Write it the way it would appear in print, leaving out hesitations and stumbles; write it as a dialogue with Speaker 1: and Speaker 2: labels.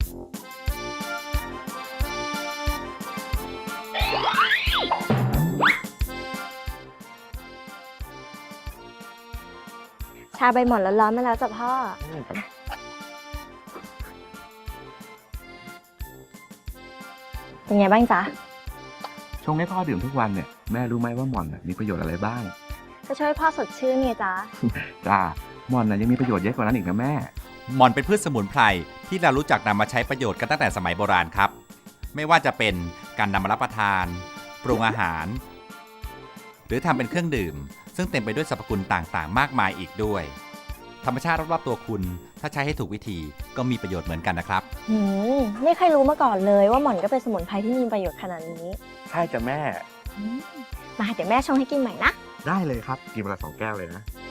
Speaker 1: ชาใบหม่อนร้อนๆมาแล้วจ้ะพ่อเป็นไงบ้างจ๊ะ
Speaker 2: ชงให้พ่อดื่มทุกวันเนี่ยแม่รู้ไหมว่าหม่อนมีประโยชน์อะไรบ้าง
Speaker 1: ก็ช่วยพ่อสดชื่นไงจ๊ะ
Speaker 2: จ้าหม่อนยังมีประโยชน์เยอะกว่านั้นอีกนะแม่
Speaker 3: หม่อนเป็นพืชสมุนไพรที่เรารู้จักนำมาใช้ประโยชน์กันตั้งแต่สมัยโบราณครับไม่ว่าจะเป็นการนำมารับประทานปรุงอาหารหรือทำเป็นเครื่องดื่มซึ่งเต็มไปด้วยสรรพคุณต่างๆมากมายอีกด้วยธรรมชาติรอบๆตัวคุณถ้าใช้ให้ถูกวิธีก็มีประโยชน์เหมือนกันนะครับ
Speaker 1: ไม่เคยรู้มาก่อนเลยว่าหม่อนก็เป็นสมุนไพรที่มีประโยชน์ขนาดนี้
Speaker 2: ใช่จ้ะแม่
Speaker 1: มาเดี๋ยวแม่ชงให้กินใหม่นะ
Speaker 2: ได้เลยครับกินเวลา2 แก้วเลยนะ